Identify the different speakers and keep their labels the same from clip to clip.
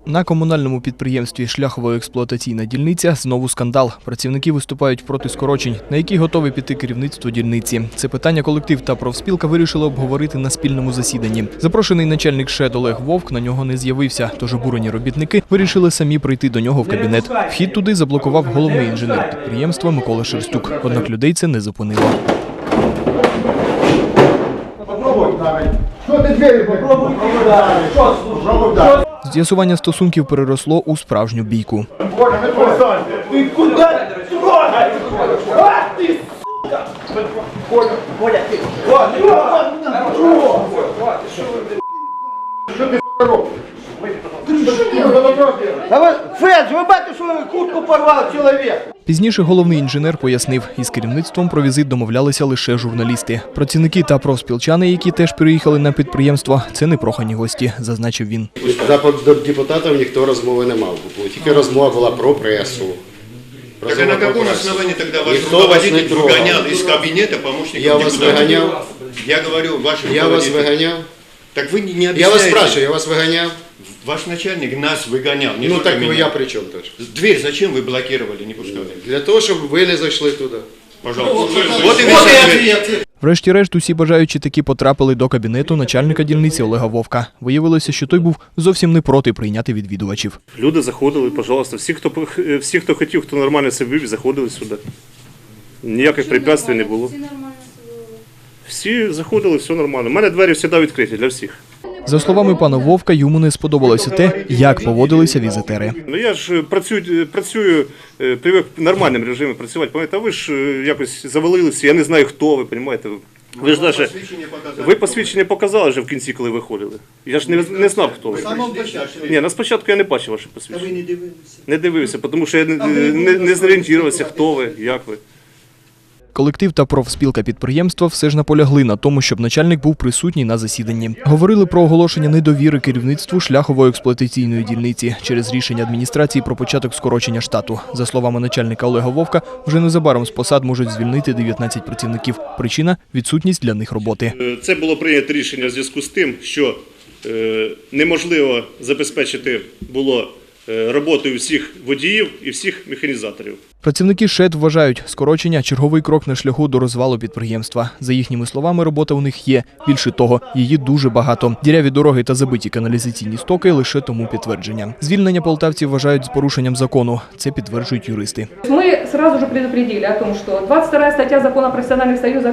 Speaker 1: На комунальному підприємстві «Шляхово-експлуатаційна дільниця» знову скандал. Працівники виступають проти скорочень, на які готові піти керівництво дільниці. Це питання колектив та профспілка вирішили обговорити на спільному засіданні. Запрошений начальник ШЕД Олег Вовк на нього не з'явився, тож обурені робітники вирішили самі прийти до нього в кабінет. Вхід туди заблокував головний інженер підприємства Микола Шерстюк. Однак людей це не зупинило. З'ясування стосунків переросло у справжню бійку.
Speaker 2: Ти куди трогай? А ти, сука! Коля, ти! Що ти робиш? Федж, ви бачите, що куртку порвав чоловік?
Speaker 1: Пізніше головний інженер пояснив, із керівництвом про візит домовлялися лише журналісти. Працівники та профспілчани, які теж приїхали на підприємство, це не прохані гості, зазначив він.
Speaker 3: До депутатів ніхто розмови не мав. Тільки розмова була про пресу.
Speaker 4: Так а на каком основании тогда ваш руководитель выгонял из кабинета помощника депутата?
Speaker 3: Я вас выгонял.
Speaker 4: Я говорю, ваш руководитель.
Speaker 3: Я вас выгонял.
Speaker 4: Так вы не объясняете.
Speaker 3: Я вас спрашиваю, я вас выгонял.
Speaker 4: Ваш начальник нас выгонял, не
Speaker 3: Ну
Speaker 4: только
Speaker 3: так
Speaker 4: меня.
Speaker 3: я при чем тоже?
Speaker 4: Дверь зачем вы блокировали, не пускали?
Speaker 3: Для того, щоб ви не зайшли туди.
Speaker 4: Пожалуйста. Вот и весь ответ.
Speaker 1: Врешті-решт усі бажаючі таки потрапили до кабінету начальника дільниці Олега Вовка. Виявилося, що той був зовсім не проти прийняти відвідувачів.
Speaker 5: Люди заходили, пожалуйста, всі, хто хотів, хто нормально себе вів, заходили сюди. Ніяких препятствий не було. Всі заходили, все нормально. У мене двері завжди відкриті для всіх.
Speaker 1: За словами пана Вовка, йому не сподобалося те, як поводилися візитери.
Speaker 5: Ну я ж працюю, привик в нормальному режимі працювати, пам'ятаєте, а ви ж якось завалилися, я не знаю, хто ви, розумієте. Ви ж навіть, ви посвідчення показали вже в кінці, коли виходили. Я ж не знав, хто ви. Ні, на спочатку я не бачив ваше посвідчення. А ви не дивилися? Не дивився, тому що я не зорієнтувався, хто ви, як ви.
Speaker 1: Колектив та профспілка підприємства все ж наполягли на тому, щоб начальник був присутній на засіданні. Говорили про оголошення недовіри керівництву Шляхово-експлуатаційної дільниці через рішення адміністрації про початок скорочення штату. За словами начальника Олега Вовка, вже незабаром з посад можуть звільнити 19 працівників. Причина – відсутність для них роботи.
Speaker 5: Це було прийнято рішення в зв'язку з тим, що неможливо забезпечити було роботою всіх водіїв і всіх механізаторів.
Speaker 1: Працівники ШЕД вважають, скорочення – черговий крок на шляху до розвалу підприємства. За їхніми словами, робота у них є. Більше того, її дуже багато. Діряві дороги та забиті каналізаційні стоки – лише тому підтвердження. Звільнення полтавців вважають з порушенням закону. Це підтверджують юристи.
Speaker 6: Ми одразу ж предупредили о том, що 22 стаття Закону о професіональних союзах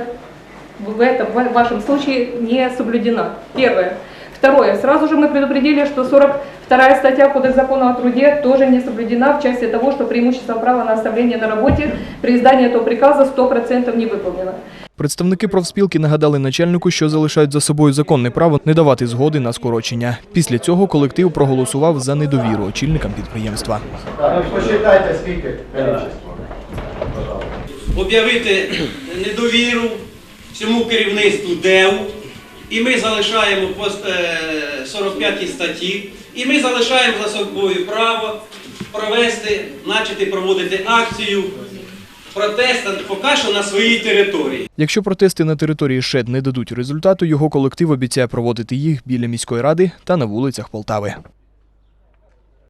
Speaker 6: в вашем случае не соблюдена. Первое. Второе. Сразу же мы предупредили, что 42 статья Кодекса закона о труде тоже не соблюдена в части того, что преимущество права на оставление на работе при издании этого приказа 100% не выполнено.
Speaker 1: Представники профспілки нагадали начальнику, що залишають за собою законне право не давати згоди на скорочення. Після цього колектив проголосував за недовіру очільникам підприємства.
Speaker 2: Посчитайте, скільки кількість.
Speaker 7: Об'явити недовіру всьому керівництву ДЕУ. І ми залишаємо по 45 статті, і ми залишаємо за собою право почати проводити акцію протесту поки що на своїй території.
Speaker 1: Якщо протести на території ШЕД не дадуть результату, його колектив обіцяє проводити їх біля міської ради та на вулицях Полтави.